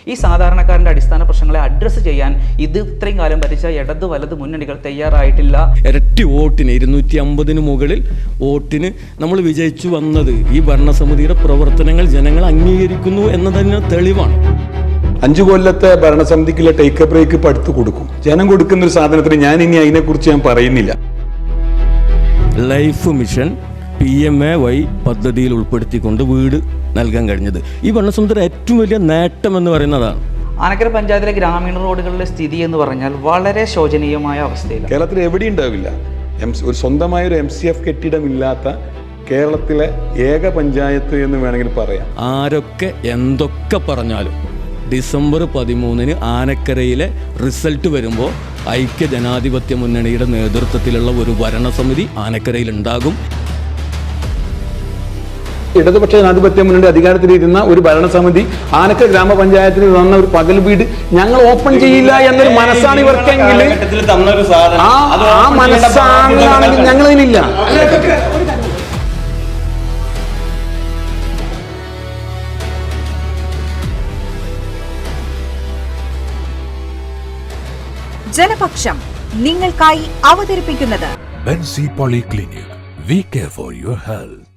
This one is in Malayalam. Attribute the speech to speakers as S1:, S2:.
S1: ഈ സാധാരണക്കാരൻ്റെ അടിസ്ഥാന പ്രശ്നങ്ങളെ അഡ്രസ്സ് ചെയ്യാൻ ഇത്രയും കാലം ഭരിച്ച ഇടത് വലത് മുന്നണികൾ തയ്യാറായിട്ടില്ല.
S2: ഇരട്ടി വോട്ടിന് 250 മുകളിൽ വോട്ടിന് നമ്മൾ വിജയിച്ചു വന്നത് ഈ ഭരണസമിതിയുടെ പ്രവർത്തനങ്ങൾ ജനങ്ങൾ അംഗീകരിക്കുന്നു എന്നതിന് തെളിവാണ്.
S3: 5 കൊല്ലത്തെ ഭരണസമിതിക്കുള്ള ടേക്ക് എ ബ്രേക്ക് ഇപ്പം അടുത്ത് കൊടുക്കും. ജനം കൊടുക്കുന്ന ഒരു സാധനത്തിന് ഞാൻ ഇനി അതിനെക്കുറിച്ച് ഞാൻ പറയുന്നില്ല.
S2: ലൈഫ് മിഷൻ PMAY പദ്ധതിയിൽ ഉൾപ്പെടുത്തിക്കൊണ്ട് വീട് നൽകാൻ കഴിഞ്ഞത് ഈ ഭരണസമിതിയുടെ ഏറ്റവും വലിയ നേട്ടം എന്ന് പറയുന്നതാണ്.
S1: ആനക്കര പഞ്ചായത്തിലെ ഗ്രാമീണ റോഡുകളിലെ സ്ഥിതി എന്ന് പറഞ്ഞാൽ വളരെ ശോചനീയമായ അവസ്ഥയിലാണ്.
S3: കേരളത്തിൽ എവിടെയും ഉണ്ടാവില്ല. ഒരു സ്വന്തമായൊരു MCF കെട്ടിടമില്ലാത്ത കേരളത്തിലെ ഏക പഞ്ചായത്ത് എന്ന് വേണമെങ്കിൽ പറയാം.
S2: ആരൊക്കെ എന്തൊക്കെ പറഞ്ഞാലും ഡിസംബർ 13 ആനക്കരയിലെ റിസൾട്ട് വരുമ്പോൾ ഐക്യ ജനാധിപത്യ മുന്നണിയുടെ നേതൃത്വത്തിലുള്ള ഒരു ഭരണസമിതി ആനക്കരയിൽ ഉണ്ടാകും.
S3: ഇടതുപക്ഷ ജനാധിപത്യ മുന്നണി അധികാരത്തിലിരുന്ന ഒരു ഭരണസമിതി ആനക്കര ഗ്രാമപഞ്ചായത്തിന് തന്ന ഒരു പകൽ വീട് ഞങ്ങൾ ഓപ്പൺ ചെയ്യില്ല എന്നൊരു മനസ്സാണ് ഇവർക്കെങ്കിൽ ആ മനസ്സാണെങ്കിൽ ഞങ്ങളതിനില്ല.
S4: ജനപക്ഷം നിങ്ങൾക്കായി അവതരിപ്പിക്കുന്നത്
S5: Benzy polyclinic. We care for your health.